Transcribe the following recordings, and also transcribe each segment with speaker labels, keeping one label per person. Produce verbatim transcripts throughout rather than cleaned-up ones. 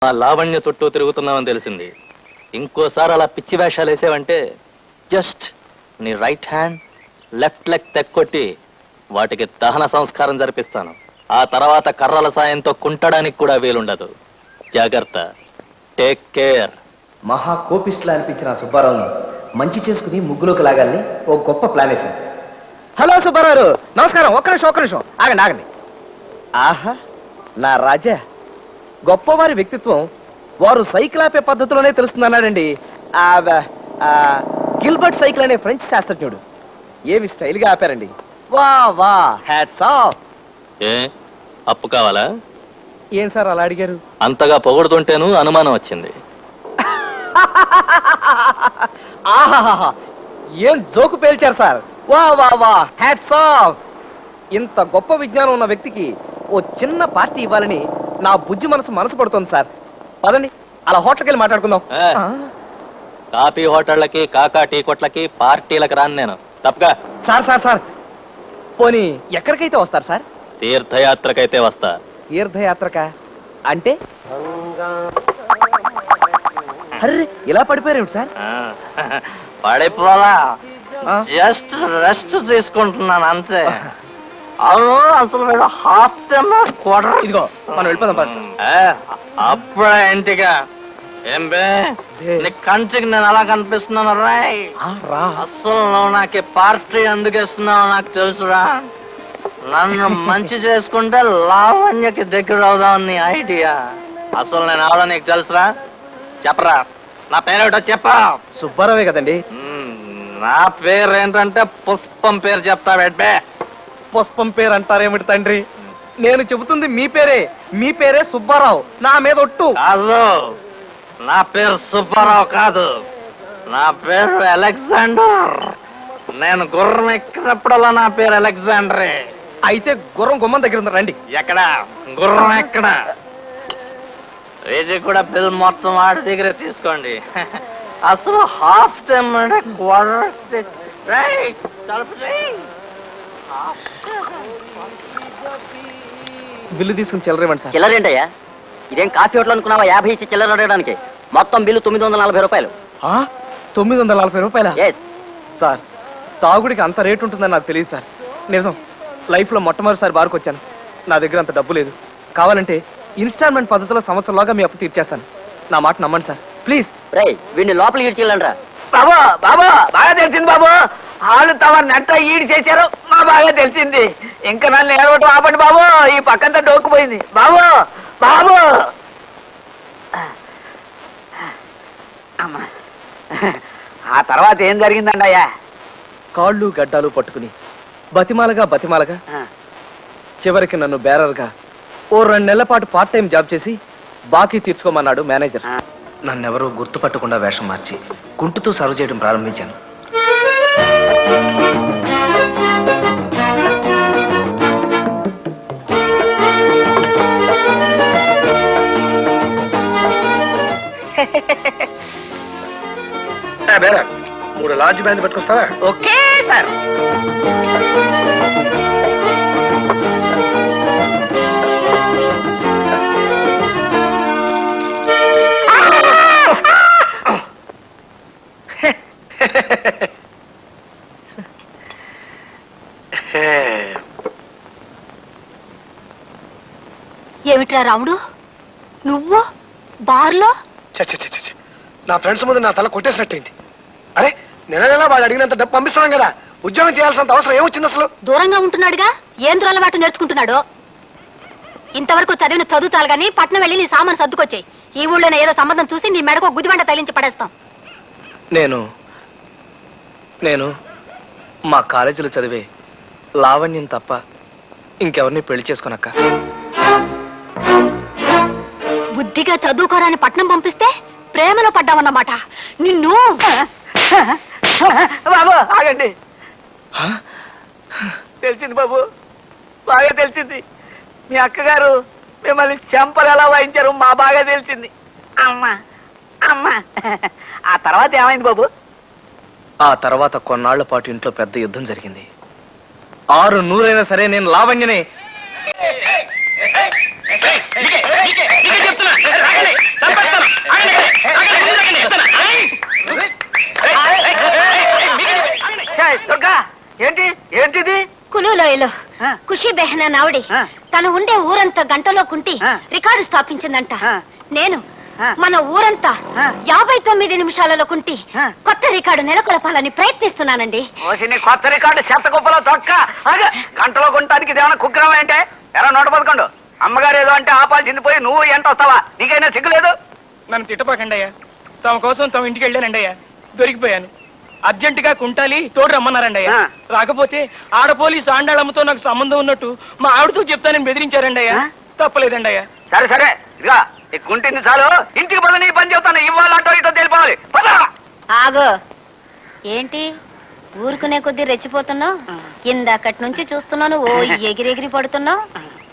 Speaker 1: ఆ లావణ్య చుట్టూ తిరుగుతున్నామని తెలిసింది. ఇంకోసారి అలా పిచ్చి వేషాలు వేసేవంటే జస్ట్ నీ రైట్ హ్యాండ్ లెఫ్ట్ లెగ్ తెక్కొట్టి వాటికి దహన సంస్కారం జరిపిస్తాను. ఆ తర్వాత కర్రల సాయంతో కుంటడానికి కూడా వీలుండదు. జాగ్రత్త. Take care.
Speaker 2: మహా కోపిస్టులా అనిపించిన సుబ్బారావుని మంచి చేసుకుని ముగ్గులోకి లాగాలని ఓ గొప్ప ప్లాన్ వేశాను. హలో సుబ్బారావు, నమస్కారం. ఒక్క నిమిషం ఒక్క నిమిషం ఆగండి ఆగండి. ఆహా, నా రాజా, గొప్పవారి వ్యక్తిత్వం వారు సైకిల్ ఆపే పద్ధతిలోనే తెలుస్తుందన్నాడండి గిల్బర్ట్ సైకిల్ అనే ఫ్రెంచ్ శాస్త్రజ్ఞుడు. ఏమి స్టైల్గా ఆపారండి. వా వా, హ్యాట్స్ ఆఫ్.
Speaker 1: ఏ అప్పు కావాలా?
Speaker 2: ఏం సార్ అలా అడిగారు?
Speaker 1: అంతగా పొగుడుతుంటేను అనుమానం వచ్చింది.
Speaker 2: ఆహాహా, ఏం జోకు పేల్చారు సార్. వా వా వా, హ్యాట్స్ ఆఫ్. ఇంత గొప్ప విజ్ఞానం ఉన్న వ్యక్తికి ఓ చిన్న పార్టీ ఇవ్వాలని నా బుజ్జి మనసు మనసు పడుతుంది సార్. పదండి అలా హోటల్కి వెళ్ళి మాట్లాడుకుందాం.
Speaker 1: కాఫీ హోటళ్ళకి కాకా టీ కొట్లకి పార్టీలకు రాను నేను. తప్పగా.
Speaker 2: సార్ సార్ సార్ పోనీ ఎక్కడికైతే వస్తారు సార్?
Speaker 1: తీర్థయాత్రకైతే వస్తా.
Speaker 2: తీర్థయాత్రక అంటే? అర్రే, ఇలా పడిపోయారు సార్?
Speaker 1: పడిపోలా, జస్ట్ రెస్ట్ తీసుకుంటున్నాను అంతే. అవును, అసలు మీరు హాఫ్ టైమ్ క్వార్టర్.
Speaker 2: ఇదిగో మనం వెళ్ళిపోదాం.
Speaker 1: అప్పుడే ఇంటిగా ఏం బే, నీ కంటికి నేను అలా కనిపిస్తున్నాను రాయ్. అసలు నువ్వు నాకు పార్టీ ఎందుకు ఇస్తున్నావు నాకు తెలుసురా. నన్ను మంచి చేసుకుంటే లావణ్యకి దగ్గర అవుదాం నీ ఐడియా. అసలు నేను అవడం నీకు తెలుసురా? చెప్పరా, నా పేరేటో చెప్పా.
Speaker 2: సుబ్బారావే కదండి.
Speaker 1: నా పేరు ఏంటంటే పుష్పం పేరు చెప్తా బెడ్బే.
Speaker 2: పుష్పం పేరు అంటారేమిటి తండ్రి? నేను చెబుతుంది మీ పేరే. మీ పేరే సుబ్బారావు. నా మీద ఒట్టు.
Speaker 1: కాదు, నా పేరు సుబ్బారావు కాదు, నా పేరు అలెగ్జాండర్. నేను గుర్రం ఎక్కినప్పుడల్లా నా పేరు అలెగ్జాండరే.
Speaker 2: అయితే గుర్రం గుమ్మం దగ్గర ఉంది, రండి.
Speaker 1: ఎక్కడ గుర్రం? ఎక్కడ? ఇది కూడా బిల్ మొత్తం వాడి దగ్గరే తీసుకోండి. అసలు హాఫ్ టైం అంటే క్వార్టర్.
Speaker 2: బిల్లు తీసుకుని చిల్లరేమండి సార్.
Speaker 3: చిల్లరేంటయ్యా? ఇదేం కాఫీ హోటల్ అనుకున్నావా? యాభై ఇచ్చి చిల్లర అడగడానికి. మొత్తం బిల్లు తొమ్మిది వందల నలభై రూపాయలు.
Speaker 2: తొమ్మిది వందల నలభై రూపాయల?
Speaker 3: ఎస్
Speaker 2: సార్, తాగుడికి అంత రేటు ఉంటుందని నాకు తెలియదు సార్. నిజం, లైఫ్లో మొట్టమొదటిసారి బార్కు వచ్చాను. నా దగ్గర అంత డబ్బు లేదు. కావాలంటే ఇన్స్టాల్మెంట్ పద్ధతిలో సంవత్సరంలోగా మీ అప్పు తీర్చేస్తాను. నా మాట నమ్మండి సార్, ప్లీజ్.
Speaker 3: రే, వీడిని లోపలికి ఈడ్చిల్లండ్రా.
Speaker 4: బాబు బాబు బాగా తెలిసింది బాబు. వాళ్ళు తమ నెట్ట ఈడి చేశారు, మా బాగా తెలిసింది. ఇంకా నన్ను ఏడవటం ఆపండి బాబు. ఈ పక్కంతా డోక్కుపోయింది బాబు. బాబు అమ్మా, ఆ తర్వాత ఏం జరిగిందండి అయ్యా?
Speaker 2: కాళ్ళు గడ్డాలు పట్టుకుని బతిమాలగా బతిమాలగా చివరికి నన్ను బేరర్గా ఓ రెండు నెలల పాటు పార్ట్ టైం జాబ్ చేసి బాకీ తీర్చుకోమన్నాడు మేనేజర్. నన్నెవరూ గుర్తుపట్టకుండా వేషం మార్చి కుంటుతో సర్వ్ చేయడం ప్రారంభించాను. మూడు లార్జ్ బ్యాండ్ పట్టుకొస్తావా?
Speaker 4: Okay sir.
Speaker 5: ఏమిట్రా రాముడు, నువ్వు బార్లో?
Speaker 6: నా ఫ్రెండ్స్ ముందు నా తల కొట్టేసినట్టయింది. అరే, నెల నెల వాడు అడిగినంత డబ్బు పంపిస్తున్నాం కదా, ఉద్యోగం చేయాల్సినంత అవసరం ఏమొచ్చింది అసలు? దూరంగా
Speaker 5: ఉంటున్నాడుగా, ఏం దురలవాటు నేర్చుకుంటున్నాడు. ఇంతవరకు చదివిన చదువు చాలు గానీ పట్నం వెళ్ళి నీ సామాను సర్దుకొచ్చాయి. ఈ ఊళ్ళోనే ఏదో సంబంధం చూసి నీ మెడకు గుదిబండ తగిలించి పడేస్తాం.
Speaker 2: నేను నేను మా కాలేజీలో చదివే లావణ్యం తప్ప ఇంకెవరిని పెళ్లి చేసుకోనక్క.
Speaker 5: బుద్ధిగా చదువుకోరాని పట్నం పంపిస్తే ప్రేమలో పడ్డావన్నమాట. నిన్ను
Speaker 4: బాబు ఆగండి. తెలిసింది బాబు, బాగా తెలిసింది. మీ అక్కగారు మిమ్మల్ని చెంపలు ఎలా వాయించారు మా బాగా తెలిసింది. అమ్మా అమ్మా. ఆ తర్వాత ఏమైంది బాబు?
Speaker 2: ఆ తర్వాత కొన్నాళ్ల పాటు ఇంట్లో పెద్ద యుద్ధం జరిగింది. ఆరు నూరైనా సరే నేను లావణ్యనే. చెప్తున్నా
Speaker 5: బాంబేలో
Speaker 4: ఆ.
Speaker 5: ఖుషి బెహనా నావడి
Speaker 4: ఆ.
Speaker 5: తను ఉండే ఊరంతా గంటలో కుంటి
Speaker 4: ఆ.
Speaker 5: రికార్డు స్థాపించిందంట
Speaker 4: ఆ.
Speaker 5: నేను
Speaker 4: ఆ.
Speaker 5: మన ఊరంతా
Speaker 4: ఆ.
Speaker 5: యాభై తొమ్మిది నిమిషాలలో కుంటి
Speaker 4: ఆ.
Speaker 5: కొత్త రికార్డు నెలకొల్పాలని ప్రయత్నిస్తున్నానండి.
Speaker 4: ఓసి నీ కొత్త రికార్డు చెత్త కుప్పలో తొక్క అదే గంటలో కొనడానికి ఇదేమన్నా కుగ్రహం అంటే ఎరా నూట పదకొండు అమ్మగారు ఏదో అంటే ఆపాల్సింది పోయి నువ్వు ఎంట వస్తావా నీకైనా సిగ్గులేదు.
Speaker 7: నన్ను తిట్టపాకండి అయ్యా. తమ కోసం తమ ఇంటికి వెళ్ళానండి అయ్యా. దొరికిపోయాను. అర్జెంటుగా కుంటాలి తోడు రమ్మన్నారండి అయ్యా.
Speaker 4: ఆ.
Speaker 7: రాకపోతే ఆడ పోలీసు ఆండాళ్ళమ్మతో నాకు సంబంధం ఉన్నట్టు మా ఆవిడతో చెప్తానని బెదిరించారండి అయ్యా.
Speaker 4: ఆ?
Speaker 7: తప్పలేదండి అయ్యా.
Speaker 4: సరే సరే ఇదిగా ఈ కుంటింది చాలు ఇంటికి పద నీ పని చెప్తాను ఇవ్వాలంటో ఇటో తెలిపోవాలి పద.
Speaker 5: ఆగో ఏంటి ఊరుకునే కొద్దీ రెచ్చిపోతున్నావు? ఇందాకటి నుంచి చూస్తున్నాను ఓ ఎగిరెగిరి పడుతున్నావు.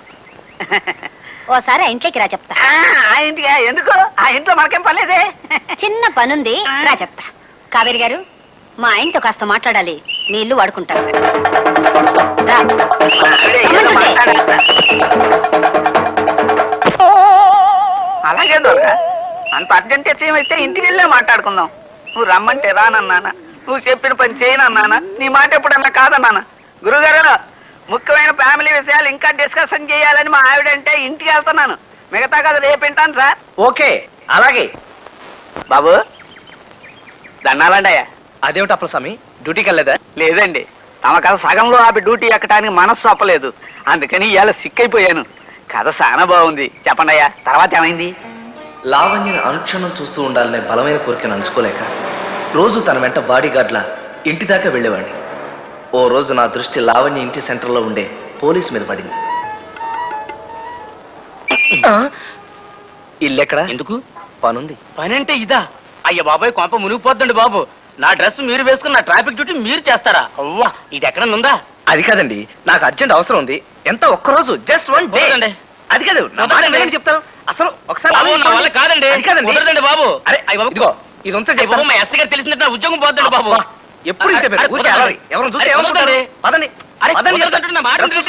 Speaker 5: ఓసారి ఆ ఇంట్లోకి రా చెప్తా.
Speaker 4: ఆ, ఆ ఇంటికి ఎందుకు ఆ ఇంట్లో మనకేం పర్లేదే.
Speaker 5: చిన్న పనుంది రా చెప్తా. కావేరి గారు మా ఆయనతో కాస్త మాట్లాడాలి. మీ ఇల్లు వాడుకుంటారు. రా.
Speaker 4: అదే, ఏదో
Speaker 5: రమ్మంటుంటే.
Speaker 4: మాట్లాడేస్తా. అలాగే దొరక అంత అర్జెంట్ అయితే ఇంటికి వెళ్ళే మాట్లాడుకుందాం. నువ్వు రమ్మంటే రానన్నానా, నువ్వు చెప్పిన పని చేయనన్నానా, నీ మాట ఎప్పుడన్నా కాదన్నానా? గురుగారు ముఖ్యమైన ఫ్యామిలీ విషయాలు ఇంకా డిస్కషన్ చేయాలని మా ఆవిడంటే ఇంటికి వెళ్తున్నాను. మిగతా కదా రేపు వింటాను సార్.
Speaker 2: ఓకే అలాగే.
Speaker 4: బాబు దండాలండి అయ్యా.
Speaker 2: అదేమిటి అప్పలస్వామి, డ్యూటీకి వెళ్ళలేదా?
Speaker 4: లేదండి తమ కథ సగంలో ఆపి డ్యూటీ ఎక్కడానికి మనస్సు ఒప్పలేదు. అందుకని ఇవాళ సిక్కైపోయాను. కథ చాలా బాగుంది చెప్పండి అయ్యా. తర్వాత ఏమైంది?
Speaker 2: లావణ్యని అనుక్షణం చూస్తూ ఉండాలనే బలమైన కోరికను అంచుకోలేక రోజు తన వెంట బాడీ గార్డ్లా ఇంటి దాకా వెళ్ళేవాడిని. ఓ రోజు నా దృష్టి లావణ్య ఇంటి సెంటర్లో ఉండే పోలీసు మీద పడింది. ఇల్లెక్కడ?
Speaker 1: ఎందుకు?
Speaker 2: పనుంది.
Speaker 1: పని అంటే ఇదా? అయ్య బాబాయ్ కొంప మునిగిపోద్దండి బాబు. నా డ్రెస్ మీరు వేసుకున్న ట్రాఫిక్ డ్యూటీ మీరు చేస్తారా? అవ్వా ఇది ఎక్కడ ఉందా?
Speaker 2: అది కాదండి, నాకు అర్జెంట్ అవసరం ఉంది. ఎంత ఒక్క రోజు, జస్ట్ వన్ డే.
Speaker 1: కుదరదండి.
Speaker 2: అది కాదు, నా మాట
Speaker 1: కుదరదండి.
Speaker 2: వినండి చెప్తాను. అసలు ఒకసారి
Speaker 1: బాబు, నా
Speaker 2: ఆలోచించండి.
Speaker 1: వల్ల కాదండి.
Speaker 2: అది కాదండి.
Speaker 1: కుదరదండి బాబు.
Speaker 2: అరే
Speaker 1: అయ్య బాబు,
Speaker 2: ఇదిగో ఇది ఉంటే
Speaker 1: అయ్య బాబు,
Speaker 2: చెప్తాను.
Speaker 1: మా ఎస్ గారు తెలిసిందంటే నా ఉద్యోగం పోద్దండి బాబు.
Speaker 2: ఎప్పుడు ఇంతే
Speaker 1: అరే,
Speaker 2: ఊరికే
Speaker 1: కుదరదండి.
Speaker 2: అలరి. ఎవరిని చూస్తే
Speaker 1: అరే,
Speaker 2: ఏమనుకుంటారు?
Speaker 1: కుదరదండి.
Speaker 2: పదండి
Speaker 1: అరే,
Speaker 2: పదండి
Speaker 1: కుదరదంటే నా మాట
Speaker 2: డ్రెస్
Speaker 1: వినండి.